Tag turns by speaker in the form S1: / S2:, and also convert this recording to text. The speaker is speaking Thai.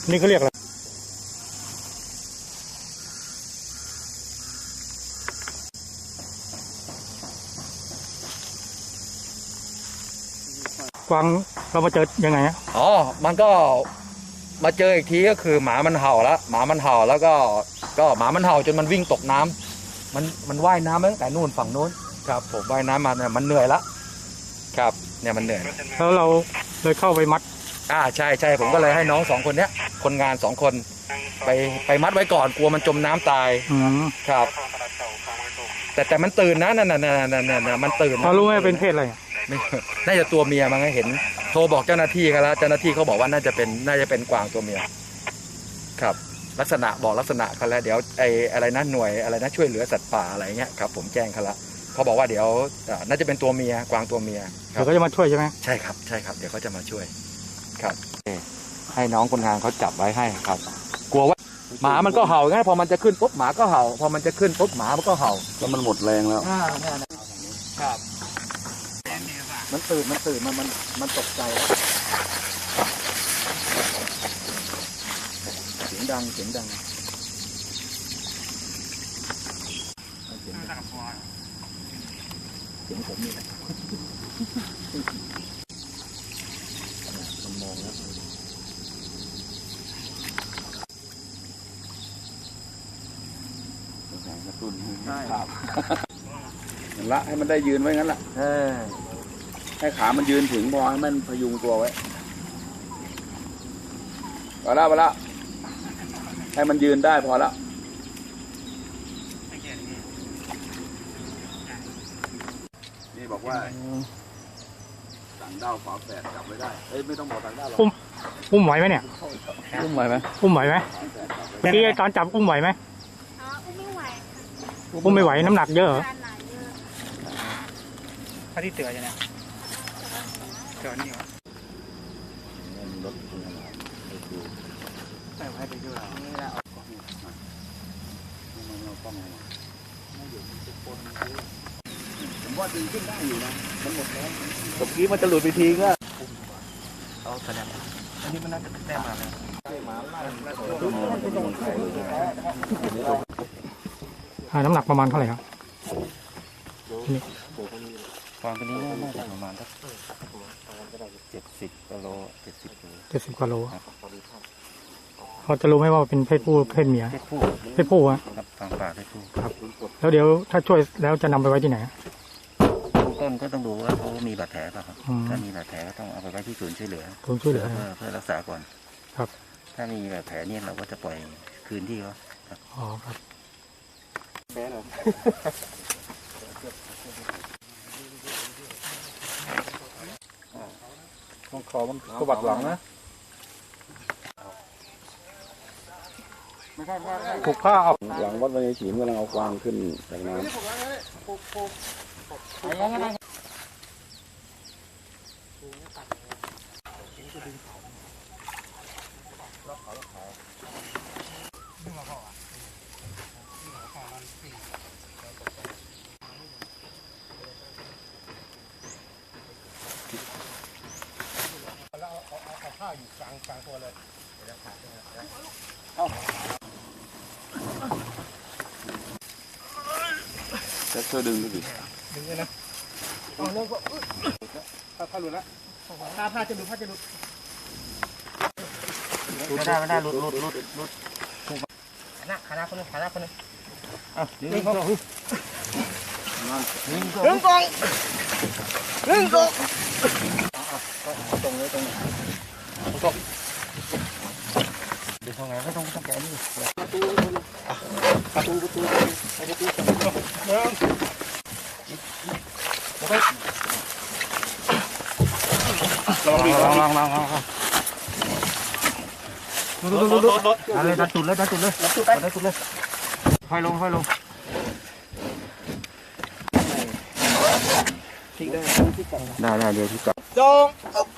S1: นี่เขาเรียกอะไรกวางเรามาเจอยังไงฮะ
S2: อ๋อมันก็มาเจออีกทีก็คือหมามันเห่าแล้วหมามันเห่าแล้วก็หมามันเห่าจนมันวิ่งตกน้ำมันว่ายน้ำมาตั้งแต่นู่นฝั่งนู้นครับผมว่ายน้ำมาเนี่ยมันเหนื่อยละครับเนี่ยมันเหนื่อย
S1: แล้วเราเลยเข้าไปมัด
S2: ใช่ผมก็เลยให้น้อง2 คนเนี้ยคนงาน2 คนไปมัดไว้ก่อนกลัวมันจมน้ำตายครับแต่มันตื่นนะนั่นมันตื่น
S1: เรารู้ไหมเป็นเพศอะไร
S2: น่าจะตัวเมียมั้งเห็นโทรบอกเจ้าหน้าที่กันแล้วเจ้าหน้าที่เขาบอกว่าน่าจะเป็นกวางตัวเมียครับลักษณะเขาแล้วเดี๋ยวอะไรนะหน่วยอะไรนะช่วยเหลือสัตว์ป่าอะไรเงี้ยครับผมแจ้งเขาละเขาบอกว่าเดี๋ยวน่าจะเป็นตัวเมียกวางตัวเมีย
S1: เดี๋ยวเขาจะมาช่วยใช่ไหม
S2: ใช่ครับเดี๋ยวเขาจะมาช่วยครับให้น้องคนงานเขาจับไว้ให้ครับกลัวว่าหมามันก็เห่าไงพอมันจะขึ้นปุ๊บหมาก็เห่าพอมันจะขึ้นปุ๊บหมามันก็เห่า
S3: แล้วมันหมดแรงแล้ว
S2: ครับมันตื่นมันตกใจแล้วเสียงดังเสียงผมนี่แหละมันมองแล้วกระตุ้นครับ
S3: ละให้มันได้ยืนไว้งั้นแหละให้ขามันยืนถึงพอให้มันพยุงตัวไว้พอละให้มันยืนได้พอละนี่บอกว่าต่างด้าวฝาแฝดจับไว้ได้ไม่ต้องบอกต่างด้าวหรอก
S1: อุ้มไหวไหมเนี่ย
S2: อุ้มไหวไหม
S1: เมื่อกี้ตอนจับอุ้มไหวไหมอุ้มไม่ไหวน้ำหนักเยอะเหรอพอที่เตือใช่ไหมเตือนี่เหรอแต่ให้ไปช่วยนี่แหละ
S3: ผมว่าดึงขึ้นได้อยู่นะมันหมดแล้ว
S2: ตะกี้มันจะหลุดไปทีก็เอาแสดงอันนี้มันน่าจะแต้มมา
S1: น้ำหนักประมาณเท่าไหร่ครับ
S2: ฟางตัวนี้น่าจะประมาณสัก70 กิโล
S1: 70 กว่าโลเขาจะรู้ไหมว่าเป็นเพศผู้เพศเมียเพศผู้อะ
S2: ครับฟางป่าเพศผู้
S1: ครับแล้วเดี๋ยวถ้าช่วยแล้วจะนำไปไว้ที่ไหน
S2: ต้นก็ต้องดูว่าเขามีบาดแผลป่ะครับถ้ามีบาดแผลก็ต้องเอาไปไว้ที่ศูนย์ช่วยเหลือเพื่อรักษาก่อน
S1: ครับ
S2: ถ้ามีบาดแผลเนี่ยเราก็จะปล่อยคืนที่เขา
S1: อ๋อครับ
S3: แพ้เหรอ
S2: ต้องขอมันสะบัดหลังนะ
S1: ผูกผ้าเอา
S3: หลังวัดวันนี้ฉีมกำลังเอากวางขึ้นจากน้ำ
S1: ผ้าอยู่กลางตัวเลย
S3: จะช่วยดึงดูดิ
S1: ดึงเลยนะเอาเริ่มก็ผ้าหลุดแล้วผ้าจะหลุด
S2: ไม่ได้หลุดขาหน้าคนนึงดึงกองตรงเลยตรงเดี๋ยวทำไงไม่ต้องแกะนี่ประตูลองอะไรดันตุดเลยค่อยลงทิ้งได้เดี๋ยวที่กลับ
S1: จง